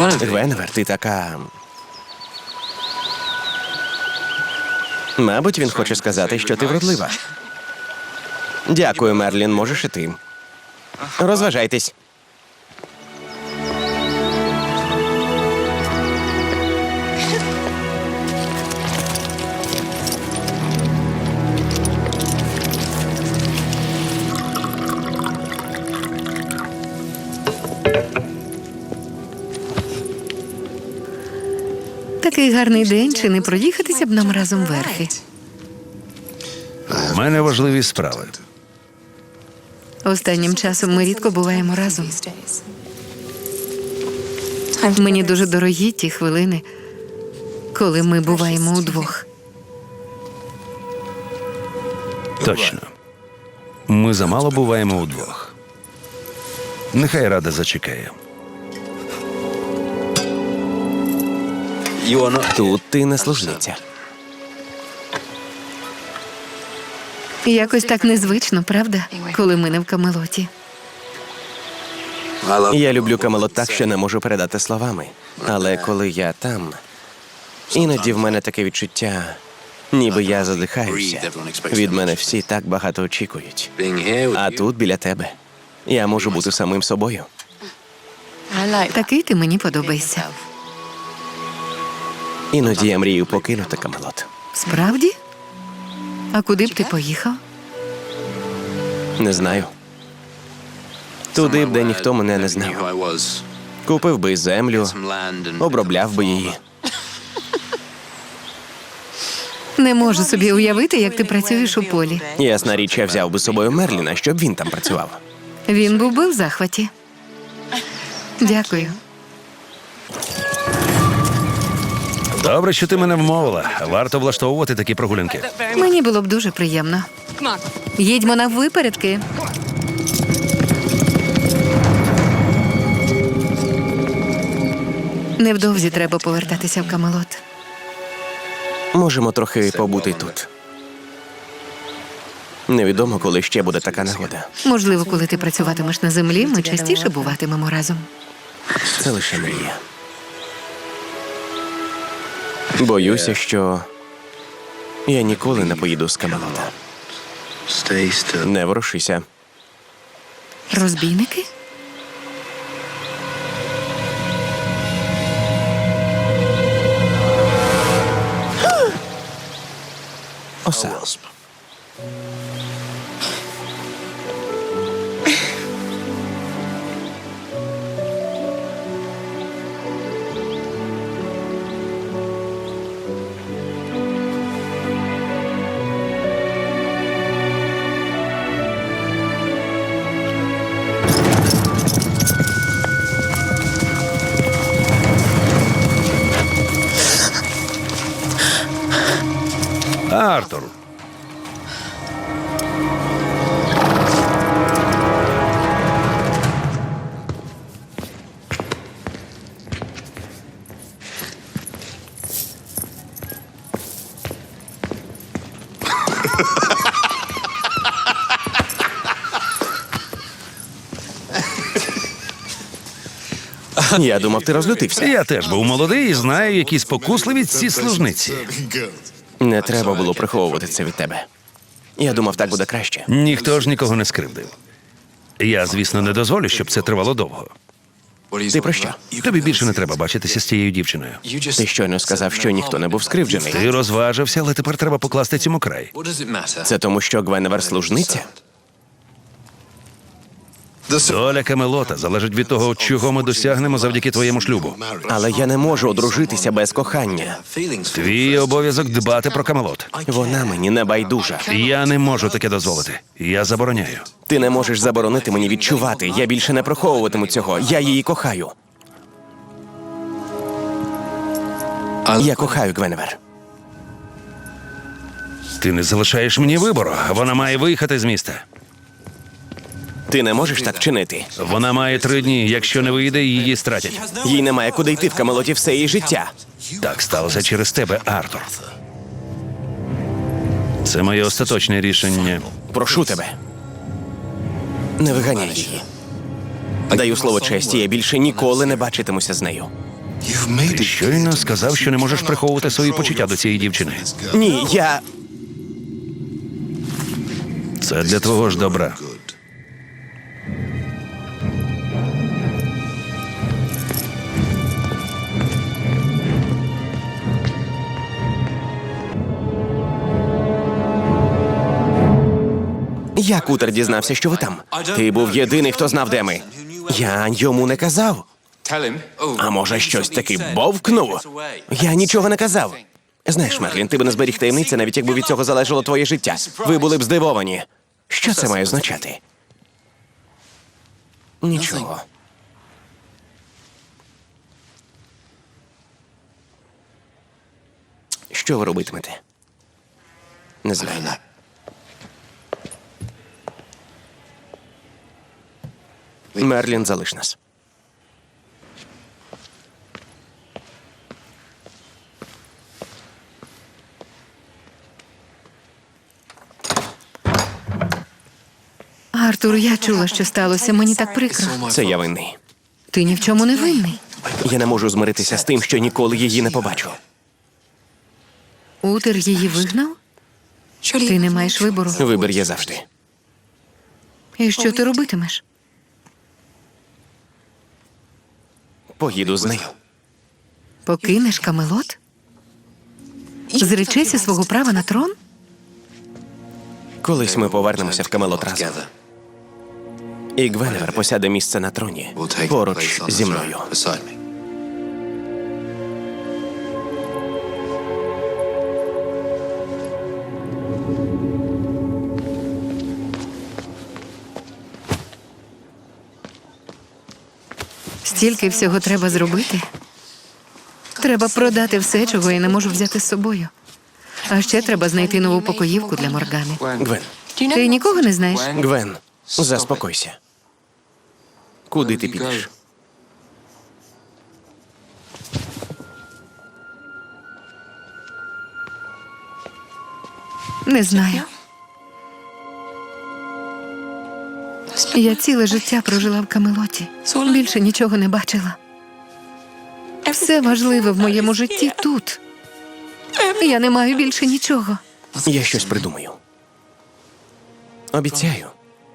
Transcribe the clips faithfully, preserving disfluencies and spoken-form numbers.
Гвеневер, ти така... Мабуть, він хоче сказати, що ти вродлива. Дякую, Мерлін, можеш і ти. Розважайтесь. Такий гарний день, чи не проїхатися б нам разом верхи? У мене важливі справи. Останнім часом ми рідко буваємо разом. Мені дуже дорогі ті хвилини, коли ми буваємо удвох. Точно. Ми замало буваємо удвох. Нехай Рада зачекає. Тут ти не служниця. Якось так незвично, правда? Коли ми не в Камелоті. Я люблю Камелот так, що не можу передати словами. Але коли я там, іноді в мене таке відчуття, ніби я задихаюся. Від мене всі так багато очікують. А тут, біля тебе, я можу бути самим собою. Такий ти мені подобаєшся. Іноді я мрію покинути Камелот. Справді? А куди б ти поїхав? Не знаю. Туди б, де ніхто мене не знав. Купив би землю, обробляв би її. Не можу собі уявити, як ти працюєш у полі. Ясна річ, я взяв би з собою Мерліна, щоб він там працював. Він був би в захваті. Дякую. Добре, що ти мене вмовила. Варто влаштовувати такі прогулянки. Мені було б дуже приємно. Їдьмо на випередки. Невдовзі треба повертатися в Камелот. Можемо трохи побути тут. Невідомо, коли ще буде така нагода. Можливо, коли ти працюватимеш на землі, ми частіше буватимемо разом. Це лише мрія. Боюся, що я ніколи не поїду з Камелота. Не ворушися. Розбійники? Оса. Артур. Я думав, ти розлютився. Я теж був молодий і знаю, які спокусливі ці служниці. Не треба було приховувати це від тебе. Я думав, так буде краще. Ніхто ж нікого не скривдив. Я, звісно, не дозволю, щоб це тривало довго. Ти про що? Тобі більше не треба бачитися з цією дівчиною. Ти щойно сказав, що ніхто не був скривджений. Ти розважився, але тепер треба покласти цьому край. Це тому, що Гвеневер служниця? Доля Камелота залежить від того, чого ми досягнемо завдяки твоєму шлюбу. Але я не можу одружитися без кохання. Твій обов'язок дбати про Камелот. Вона мені не байдужа. Я не можу таке дозволити. Я забороняю. Ти не можеш заборонити мені відчувати. Я більше не приховуватиму цього. Я її кохаю. Я кохаю Гвеневер. Ти не залишаєш мені вибору. Вона має виїхати з міста. Ти не можеш так чинити. Вона має три дні. Якщо не вийде, її стратять. Їй немає куди йти в Камелоті все її життя. Так сталося через тебе, Артур. Це моє остаточне рішення. Прошу тебе. Не виганяй її. Даю слово честі, я більше ніколи не бачитимуся з нею. Ти щойно сказав, що не можеш приховувати свої почуття до цієї дівчини. Ні, я. Це для твого ж добра. Я Кутер дізнався, що ви там. Ти був єдиний, хто знав, де ми. Я йому не казав. А може, щось таки бовкнув? Я нічого не казав. Знаєш, Мерлін, ти б не зберіг таємниці, навіть якби від цього залежало твоє життя. Ви були б здивовані. Що це має означати? Нічого. Що ви робитимете? Не знаю. Мерлін, залиш нас. Артур, я чула, що сталося. Мені так прикро. Це я винний. Ти ні в чому не винний. Я не можу змиритися з тим, що ніколи її не побачу. Утер її вигнав? Ти не маєш вибору. Вибір є завжди. І що ти робитимеш? Поїду з нею. Покинеш Камелот? Зречешся свого права на трон? Колись ми повернемося в Камелот разом. І Гвеневер посяде місце на троні поруч зі мною. Стільки всього треба зробити. Треба продати все, чого я не можу взяти з собою. А ще треба знайти нову покоївку для Моргани. Гвен, Ти нікого не знаєш? Гвен, заспокойся. Куди ти підеш? Не знаю. Я ціле життя прожила в Камелоті. Більше нічого не бачила. Все важливе в моєму житті тут. Я не маю більше нічого. Я щось придумаю. Обіцяю.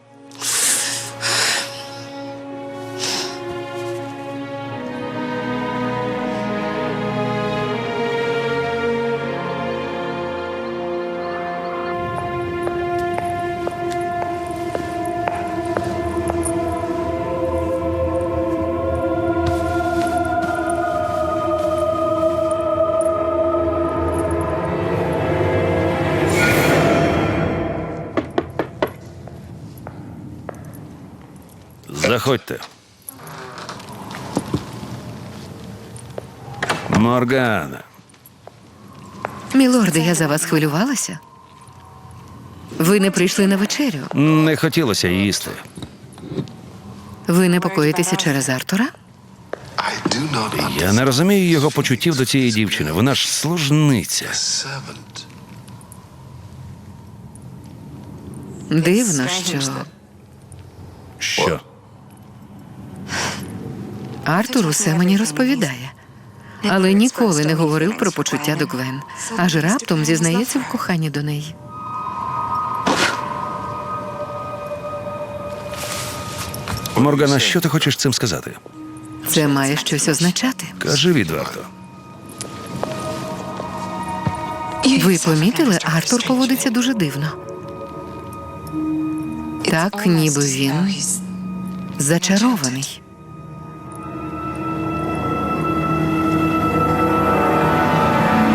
Заходьте. Моргана. Мілорде, я за вас хвилювалася. Ви не прийшли на вечерю. Не хотілося їсти. Ви непокоїтеся через Артура? Я не розумію його почуттів до цієї дівчини. Вона ж служниця. Дивно, що Що? Артур усе мені розповідає. Але ніколи не говорив про почуття до Гвен. Аж раптом зізнається в коханні до неї. Моргана, що ти хочеш цим сказати? Це має щось означати. Кажи відверто. Ви помітили, Артур поводиться дуже дивно. Так, ніби він зачарований.